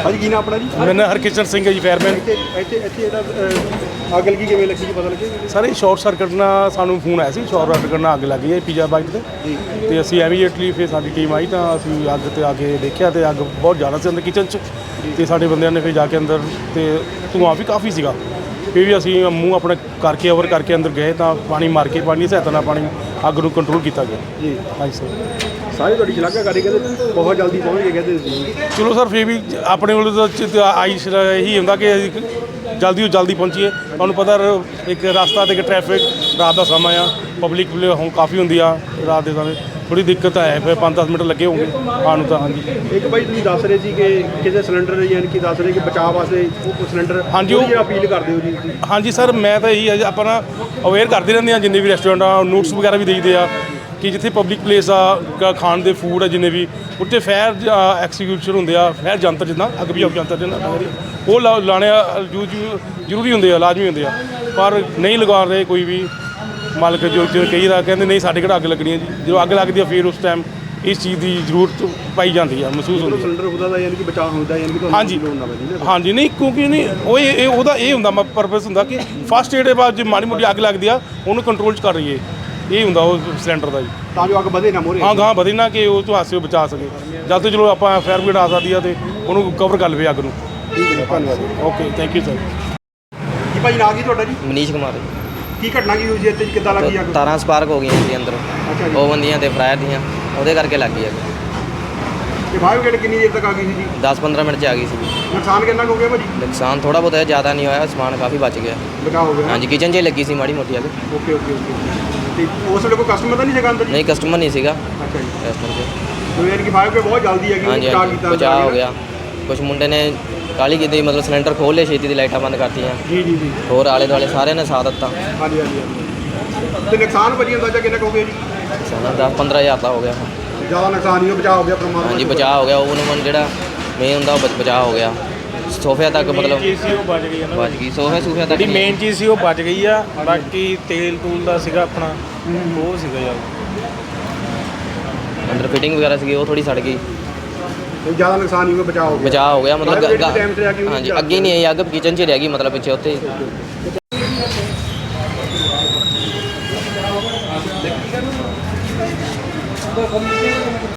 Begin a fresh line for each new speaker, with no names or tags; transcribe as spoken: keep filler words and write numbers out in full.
ਹਾਂਜੀ ਕੀ ਨਾਮ ਆਪਣਾ ਜੀ?
ਮੇਰਾ ਨਾਂ ਹਰਕਿਸ਼ਨ ਸਿੰਘ ਹੈ ਜੀ, ਫਾਇਰਮੈਨ।
ਇੱਥੇ ਇੱਥੇ ਇੱਥੇ ਜਿਹੜਾ ਅੱਗ ਲੱਗੀ ਕਿਵੇਂ ਲੱਗੀ ਜੀ, ਪਤਾ ਲੱਗਿਆ?
ਸਰ ਇਹ ਸ਼ਾਰਟ ਸਰਕਟ ਨਾਲ ਸਾਨੂੰ ਫੋਨ ਆਇਆ ਸੀ, ਸ਼ਾਰਟ ਸਰਕਟ ਨਾਲ ਅੱਗ ਲੱਗੀ ਹੈ ਪੀਜ਼ਾ ਬਾਈਟ ਤੇ ਤੇ ਅਸੀਂ ਇਮੀਡੀਏਟਲੀ ਫਿਰ ਸਾਡੀ ਟੀਮ ਆਈ ਤਾਂ ਅਸੀਂ ਅੱਗ ਤੇ ਆ ਕੇ ਦੇਖਿਆ ਤੇ ਅੱਗ ਬਹੁਤ ਜ਼ਿਆਦਾ ਸੀ ਅੰਦਰ ਕਿਚਨ 'ਚ ਤੇ ਸਾਡੇ ਬੰਦਿਆਂ ਨੇ ਫਿਰ ਜਾ ਕੇ ਅੰਦਰ ਤੇ ਧੂੰਆਂ ਵੀ ਕਾਫੀ ਸੀਗਾ। ਫਿਰ ਵੀ ਅਸੀਂ ਮੂੰਹ ਆਪਣਾ ਕਰਕੇ ਓਵਰ ਕਰਕੇ ਅੰਦਰ ਗਏ ਤਾਂ ਪਾਣੀ ਮਾਰ ਕੇ ਪਾਣੀ ਦੀ ਸਹਾਇਤਾ ਨਾਲ ਪਾਣੀ ਅੱਗ ਨੂੰ ਕੰਟਰੋਲ ਕੀਤਾ ਗਿਆ
ਜੀ।
ਹਾਂਜੀ ਸਰ।
ਸਾਰੇ ਤੁਹਾਡੀ ਸ਼ਲਾਘਾਕਾਰੀ ਕਹਿੰਦੇ ਬਹੁਤ ਜਲਦੀ ਪਹੁੰਚ ਗਏ ਕਹਿੰਦੇ ਸੀ।
ਚਲੋ ਸਰ ਫਿਰ ਵੀ ਆਪਣੇ ਵੱਲੋਂ ਤਾਂ ਆਈ ਇਹੀ ਹੁੰਦਾ ਕਿ ਅਸੀਂ ਜਲਦੀ ਤੋਂ ਜਲਦੀ ਪਹੁੰਚੀਏ। ਤੁਹਾਨੂੰ ਪਤਾ ਇੱਕ ਰਸਤਾ ਤੇ ਇੱਕ ਟ੍ਰੈਫਿਕ ਰਾਤ ਦਾ ਸਮਾਂ ਆ, ਪਬਲਿਕ ਹੁਣ ਕਾਫੀ ਹੁੰਦੀ ਆ ਰਾਤ ਦੇ ਸਮੇਂ, ਥੋੜੀ ਦਿੱਕਤ ਹੈ ਫਿਰ ਪੰਜ ਦਸ ਮਿੰਟ ਲੱਗੇ ਹੋਣਗੇ ਆਉਣ ਨੂੰ ਤਾਂ। ਹਾਂਜੀ
ਇੱਕ ਭਾਈ ਤੁਸੀਂ ਦੱਸ ਰਹੇ ਸੀ ਕਿ ਕਿਸੇ ਸਿਲੰਡਰ ਯਾਨੀ ਕਿ ਦੱਸ ਰਹੇ ਕਿ ਬਚਾਅ ਵਾਸਤੇ ਉਹ ਸਿਲੰਡਰ
ਹਾਂਜੀ ਉਹ
ਅਪੀਲ ਕਰਦੇ ਹੋ ਜੀ?
ਹਾਂਜੀ ਸਰ, ਮੈਂ ਤਾਂ ਇਹੀ ਆਪਾਂ ਨਾ ਅਵੇਅਰ ਕਰਦੇ ਰਹਿੰਦੇ ਹਾਂ, ਜਿੰਨੇ ਵੀ ਰੈਸਟੋਰੈਂਟ ਆ ਨੋਟਸ ਵਗੈਰਾ ਵੀ ਦੇਈਦੇ ਆ ਕਿ ਜਿੱਥੇ ਪਬਲਿਕ ਪਲੇਸ ਆ ਖਾਣ ਦੇ ਫੂਡ ਆ ਜਿੰਨੇ ਵੀ ਉੱਥੇ ਫਾਇਰ ਐਕਸੀਕਿਊਸ਼ਨ ਹੁੰਦੇ ਆ, ਫਾਇਰ ਜੰਤਰ ਜਿੱਦਾਂ ਅੱਗ ਬੁਝਾਊ ਜੰਤਰ ਜਿੱਦਾਂ ਉਹ ਲਾ ਲਾਣੇ ਜ਼ਰੂਰੀ ਹੁੰਦੇ ਆ, ਲਾਜ਼ਮੀ ਹੁੰਦੇ ਆ, ਪਰ ਨਹੀਂ ਲਗਾ ਰਹੇ ਕੋਈ ਵੀ ਮਾਲਕ ਜੋ ਕਈ ਦਾ ਕਹਿੰਦੇ ਨਹੀਂ ਸਾਡੇ ਕਿਹੜਾ ਅੱਗ ਲੱਗਣੀ ਹੈ ਜੀ। ਜਦੋਂ ਅੱਗ ਲੱਗਦੀ ਆ ਫਿਰ ਉਸ ਟਾਈਮ ਇਸ ਚੀਜ਼ ਦੀ ਜ਼ਰੂਰਤ ਪਾਈ ਜਾਂਦੀ ਆ, ਮਹਿਸੂਸ ਹੁੰਦੀ ਹੈ।
ਸਿਲੰਡਰ ਹੁੰਦਾ ਦਾ ਯਾਨੀ ਕਿ ਬਚਾਅ ਹੁੰਦਾ ਯਾਨੀ ਕਿ
ਹਾਂਜੀ ਹਾਂਜੀ ਨਹੀਂ ਕਿਉਂਕਿ ਨਹੀਂ ਉਹ ਇਹ ਉਹਦਾ ਇਹ ਹੁੰਦਾ ਪਰਪਸ ਹੁੰਦਾ ਕਿ ਫਸਟ ਏਡ ਦੇ ਬਾਅਦ ਜੇ ਮਾੜੀ ਮੋਟੀ ਅੱਗ ਲੱਗਦੀ ਆ ਉਹਨੂੰ ਕੰਟਰੋਲ 'ਚ ਕਰ ਰਹੀਏ, ਇਹ ਹੁੰਦਾ ਉਹ ਸਿਲੰਡਰ ਦਾ ਜੀ,
ਤਾਂ ਜੋ ਅੱਗ ਵਧੇ ਨਾ ਮੋਰੇ।
ਹਾਂ ਗਾਂ ਵਧੇ ਨਾ ਕਿ ਉਹ ਤੋਂ ਹਾਸੇ ਬਚਾ ਸਕੇ। ਜਦ ਤੋਂ ਚਲੋ ਆਪਾਂ ਫਾਇਰ ਬ੍ਰਿਗੇਡ ਆ ਸਕਦੀ ਆ ਤੇ ਉਹਨੂੰ ਕਵਰ ਕਰ ਲਵੇ ਅੱਗ ਨੂੰ।
ਠੀਕ ਹੈ, ਧੰਨਵਾਦ।
Okay thank you sir.
ਜੀ ਭਾਈ ਨਾਂ ਕੀ ਤੁਹਾਡਾ ਜੀ?
ਮਨੀਸ਼ ਕੁਮਾਰ।
ਕੀ ਘਟਨਾ ਕੀ ਹੋਈ ਜੀ ਇੱਥੇ, ਕਿੱਦਾਂ ਲੱਗੀ ਅੱਗ?
ਤਾਰਾਂ ਸਪਾਰਕ ਹੋ ਗਈਆਂ ਜੀ ਅੰਦਰ,
ਅੱਛਾ ਜੀ।
ਓਵਨ ਦੀਆਂ ਤੇ ਫਰਾਇਰ ਦੀਆਂ, ਉਹਦੇ ਕਰਕੇ ਲੱਗ ਗਈ ਅੱਗ।
ਤੇ ਫਾਇਰ ਬ੍ਰਿਗੇਡ ਕਿੰਨੀ ਦੇਰ ਤੱਕ ਆ ਗਈ ਸੀ ਜੀ?
ਦਸ ਪੰਦਰਾਂ ਮਿੰਟ 'ਚ ਆ ਗਈ ਸੀ।
ਨੁਕਸਾਨ ਕਿੰਨਾ ਕੁ ਹੋ ਗਿਆ ਭਾਜੀ?
ਨੁਕਸਾਨ ਥੋੜਾ ਬਹੁਤ ਹੈ, ਜ਼ਿਆਦਾ ਨਹੀਂ ਹੋਇਆ, ਸਮਾਨ ਕਾਫੀ ਬਚ ਗਿਆ।
ਬਚਾਅ ਹੋ ਗਿਆ?
ਹਾਂਜੀ ਕਿਚਨ 'ਚ ਹੀ ਲੱਗੀ ਸੀ ਮਾੜੀ ਮੋਟੀ ਅੱਗ।
Okay okay okay. ਤੇ ਉਸ ਵੇਲੇ ਕੋਈ ਕਸਟਮਰ ਤਾਂ ਨਹੀਂ ਸੀਗਾ ਅੰਦਰ ਜੀ?
ਨਹੀਂ ਕਸਟਮਰ ਨਹੀਂ ਸੀਗਾ
ਅੱਛਾ ਜੀ।
ਕਸਟਮਰ 'ਚ।
ਤੇ ਯਾਨੀ ਕਿ ਫਾਇਰ ਬ੍ਰਿਗੇਡ ਬਹੁਤ ਜਲਦੀ ਹੈਗੀ,
ਹਾਂਜੀ
ਬਚਾਅ
ਹਾਂਜੀ
ਕੀਤਾ?
ਬਚਾਅ ਹੋ ਗਿਆ। ਕੁਛ ਮੁੰਡੇ ਨੇ ਕਾਹਲੀ ਕੀਤੀ, ਮਤਲਬ ਸਿਲੰਡਰ ਖੋਲ੍ਹ ਲਏ ਛੇਤੀ ਦੀ, ਲਾਈਟਾਂ ਬੰਦ ਕਰਤੀਆਂ।
ਜੀ ਜੀ ਜੀ।
ਹੋਰ ਆਲੇ ਦੁਆਲੇ ਸਾਰਿਆਂ ਨੇ ਸਾਥ ਦਿੱਤਾ।
ਹਾਂਜੀ ਹਾਂਜੀ ਹਾਂਜੀ। ਤੇ ਨੁਕਸਾਨ ਭਾਜੀ ਅੰਦਾਜ਼ਾ ਕਿੰਨਾ ਕੁ ਹੋ ਗਿਆ ਜੀ?
ਸਾਡਾ ਦਸ ਪੰਦਰਾਂ ਹਜ਼ਾਰ ਦਾ ਹੋ ਗਿਆ।
ਜ਼ਿਆਦਾ ਨੁਕਸਾਨ ਨਹੀਂ, ਬਚਾਅ ਹੋ ਗਿਆ ਪਰਮਾਤਮਾ।
ਹਾਂਜੀ ਬਚਾਅ ਹੋ ਗਿਆ। ਓਵਨ ਓਵਨ ਜਿਹੜਾ ਮੇਨ ਹੁੰਦਾ ਉਹ ਬ- ਬਚਾਅ ਹੋ ਗਿਆ। ਸੋਫਿਆਂ ਤੱਕ ਮਤਲਬ
ਚੀਜ਼ ਸੀ ਉਹ ਬਚ ਗਈ ਹੈ ਨਾ,
ਬਚ ਗਈ। ਸੋਫੇ ਸੂਫਿਆਂ ਤੱਕ
ਜਿਹੜੀ ਮੇਨ ਚੀਜ਼ ਸੀ ਉਹ ਬਚ ਗਈ ਆ। ਬਾਕੀ ਤੇਲ ਤੂਲ ਦਾ ਸੀਗਾ ਆਪਣਾ ਉਹ ਸੀਗਾ ਯਾਰ,
ਅੰਦਰ ਫਿਟਿੰਗ ਵਗੈਰਾ ਸੀਗੀ ਉਹ ਥੋੜੀ ਸੜ ਗਈ।
ਜ਼ਿਆਦਾ ਨੁਕਸਾਨ ਨਹੀਂ ਹੋਇਆ, ਬਚਾਅ ਹੋ ਗਿਆ।
ਬਚਾਅ ਹੋ ਗਿਆ ਮਤਲਬ
Fire brigade
ਗ-
ਦੇ time ਤੇ ਆ ਗਈ ਹੋਈ
ਹਾਂਜੀ
ਜਾਂ
ਅੱਗੇ ਨਹੀਂ ਆਈ ਅੱਗ, ਕਿਚਨ 'ਚ ਹੀ ਰਹਿ ਗਈ ਮਤਲਬ ਪਿੱਛੇ ਉੱਥੇ।